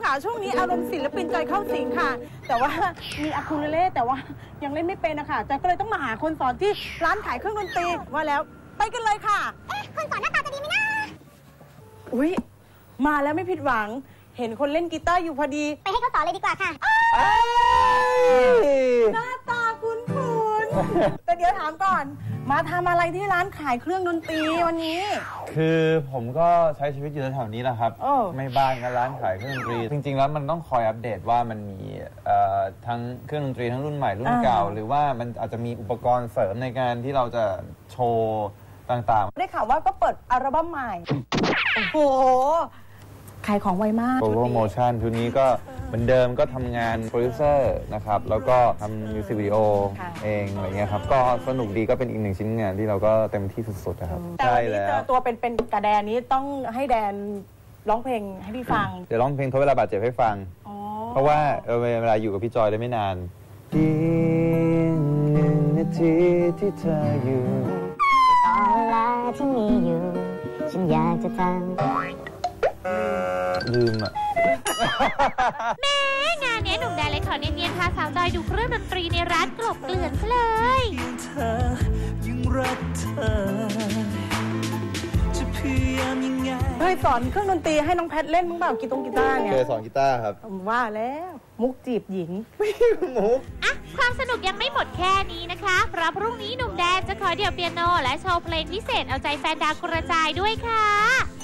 ค่ะช่วงนี้อารมณ์ศิลปินจอยเข้าสิงค่ะแต่ว่ามีอะคูเลเล่แต่ว่ายังเล่นไม่เป็นนะคะจอยก็เลยต้องมาหาคนสอนที่ร้านขายเครื่องดนตรีว่าแล้วไปกันเลยค่ะคนสอนหน้าตาจะดีไหมนะอุ๊ยมาแล้วไม่ผิดหวังเห็นคนเล่นกีตาร์อยู่พอดีไปให้เขาสอนเลยดีกว่าค่ะหน้าตาคุ้นๆแต่เดี๋ยวถามก่อนมาทำอะไรที่ร้านขายเครื่องดนตรีวันนี้คือผมก็ใช้ชีวิตอยู่แถวๆนี้แหละครับไม่บ้านก็ร้านขายเครื่องดนตรีจริงๆแล้วมันต้องคอยอัปเดตว่ามันมีทั้งเครื่องดนตรีทั้งรุ่นใหม่รุ่นเก่าหรือว่ามันอาจจะมีอุปกรณ์เสริมในการที่เราจะโชว์ต่างๆได้ข่าวว่าก็เปิดอัลบั้มใหม่โอ้โหขายของไวมากโปรโมชั่นชุดนี้ก็เหมือนเดิมก็ทำงานโปรดิวเซอร์นะครับแล้วก็ทำมิวสิกวิดีโอเองอะไรเงี้ยครับก็สนุกดีก็เป็นอีกหนึ่งชิ้นงานที่เราก็เต็มที่สุดๆนะครับใช่แล้วตัวเป็นกระแดนนี้ต้องให้แดนร้องเพลงให้พี่ฟังเดี๋ยวร้องเพลงทดเวลาบาดเจ็บให้ฟังเพราะว่าเวลาอยู่กับพี่จอยได้ไม่นานเพียง1 นาทีที่เธออยู่ตอนเวลาที่มีอยู่ฉันอยากจะทำลืมอ่ะแม่งานนี้หนุ่มแดนเลยขอเนียนๆพาสาวจอยดูเครื่องดนตรีในร้านกลบเกลื่อนซะเลยเคยสอนเครื่องดนตรีให้น้องแพทเล่นมั้งเปล่ากีตาร์เนี่ยเคยสอนกีตาร์ครับว่าแล้วมุกจีบหญิงมุกอ่ะความสนุกยังไม่หมดแค่นี้นะคะเพราะพรุ่งนี้หนุ่มแดนจะขอเดี่ยวเปียโนและโชว์เพลงพิเศษเอาใจแฟนดาวกระจายด้วยค่ะ